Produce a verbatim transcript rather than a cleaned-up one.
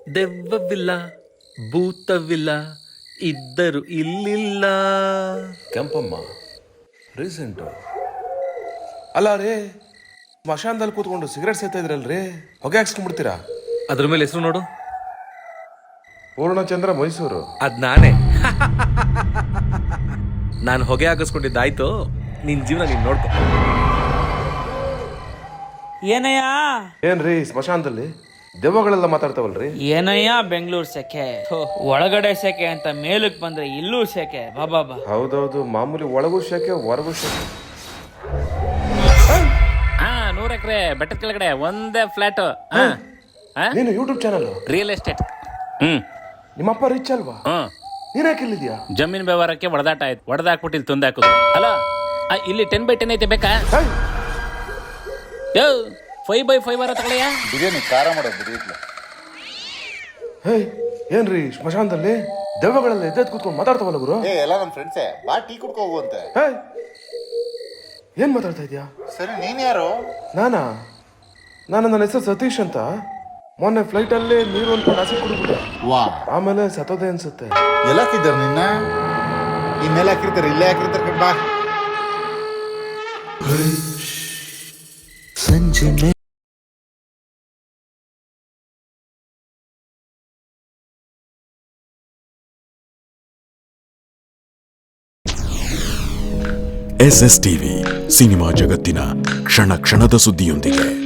ದೆವ್ವವಿಲ್ಲ ಭೂತವಿಲ್ಲ ಇದ್ದರು ಇಲ್ಲಿಲ್ಲ. ಕೆಂಪಮ್ಮ ರೀಸೆಂಟು ಅಲ್ಲ ರೀ, ಸ್ಮಶಾನದಲ್ಲಿ ಕೂತ್ಕೊಂಡು ಸಿಗರೇಟ್ ಸೇತಾ ಇದ್ರಲ್ರಿ, ಹೊಗೆ ಹಾಕ್ಸ್ಕೊಂಡ್ಬಿಡ್ತೀರಾ? ಅದ್ರ ಮೇಲೆ ಹೆಸರು ನೋಡು. ಪೂರ್ಣಚಂದ್ರ ಮೈಸೂರು. ಅದ್ ನಾನೇ. ನಾನು ಹೊಗೆ ಹಾಕಿಸ್ಕೊಂಡಿದ್ದಾಯ್ತು, ನಿನ್ ಜೀವನ ನೀನ್ ನೋಡ್ಕೊ. ಏನಯ್ಯ ಏನ್ರಿ ಸ್ಮಶಾನದಲ್ಲಿ ದೆವ್ವಗಳೆಲ್ಲ ಮಾತಾಡ್ತಾವಲ್ರಿ? ಏನಯ್ಯ ಬೆಂಗಳೂರು ಸೆಕೆ, ಥು, ಒಳಗಡೆ ಸೆಕೆ ಅಂತ ಮೇಲಕ್ಕೆ ಬಂದ್ರೆ ಇಲ್ಲೂ ಸೆಕೆ. ಬಾಬಾ ಬಾ. ಹೌದೌದು, ಮಾಮೂಲಿ ಒಳಗೂ ಶೆಕೆ ಹೊರಗೂ ಶೆಕೆ. ಹಾ ನೂರ ಎಕರೆ ಬೆಟ್ಟದ ಕೆಳಗಡೆ ಒಂದೇ ಫ್ಲಾಟ್. ನೀನು ಯೂಟ್ಯೂಬ್ ಚಾನಲ್ ರಿಯಲ್ ಎಸ್ಟೇಟ್. ಹ್ಮ್ ನಿಮ್ಮಪ್ಪ ರಿಚ್ ಅಲ್ವಾ? ಹ್ಮ್ ನೀನ್ ಯಾಕೆ ಇಲ್ಲಿದ್ಯಾ? ಜಮೀನ್ ವ್ಯವಹಾರಕ್ಕೆ ಹೊಡೆದಾಟ ಆಯ್ತು, ಹೊಡೆದಾಕ್ಬಿಟ್ಟು ಇಲ್ಲಿ ತಂದಾಕುದು. ಅಲ್ಲ ಆ, ಇಲ್ಲಿ ಟೆನ್ ಬೈ ಟೆನ್ ಐತೆ ಬೇಕಾ? ಯೋ ಫೈವ್ ಬೈ ಫೈವ್ ಬರ ತಗೊಳ್ಳೆಯ. ಬಿರಿಯಾನಿ ಖಾರ ಮಾಡೋದು ಬಿರಿಯಾನಿ. ಹೇ ಏನ್ರಿ ಸ್ಮಶಾನದಲ್ಲಿ ದೆವ್ವಗಳೆಲ್ಲ ಎದ್ದೆದ್ದು ಕೂತ್ಕೊಂಡು ಮಾತಾಡ್ತಾವಲ್ಲ ಗುರು? ಏ ಎಲ್ಲ ನಮ್ಮ ಫ್ರೆಂಡ್ಸೇ, ಬಾ ಟೀ ಕುಡ್ಕೊ ಹೋಗುವಂತೆ. ಹೇ ಏನ್ ಮಾತಾಡ್ತಾ ಇದ್ಯಾ? ಸರಿ ನೀನ್ ಯಾರು? ನಾನಾ? ನಾನು ನನ್ನ ಹೆಸರು ಸತೀಶ್ ಅಂತ. ಮೊನ್ನೆ ಫ್ಲೈಟ್ ಅಲ್ಲೇ ನೀರು ಅನ್ಕೊಂಡು ಹಸಿ ಕುಡಿದ್ಬಿಟ್ಟೆ, ವಾ ಆಮೇಲೆ ಸತ್ತೋದೆ ಅನ್ಸುತ್ತೆ. ಎಲ್ಲ ಹಾಕಿದ್ದಾರೆ ನಿನ್ನ, ಇನ್ನೆಲ್ಲ ಹಾಕಿರ್ತಾರೆ, ಇಲ್ಲೇ ಹಾಕಿರ್ತಾರೆ ಕಣ್ ಬಾ. ಸಂಜೆ ಎಸ್ ಎಸ್ ಟಿವಿ ಸಿನಿಮಾ ಜಗತ್ತಿನ ಕ್ಷಣ ಕ್ಷಣದ ಸುದ್ದಿಯೊಂದಿಗೆ.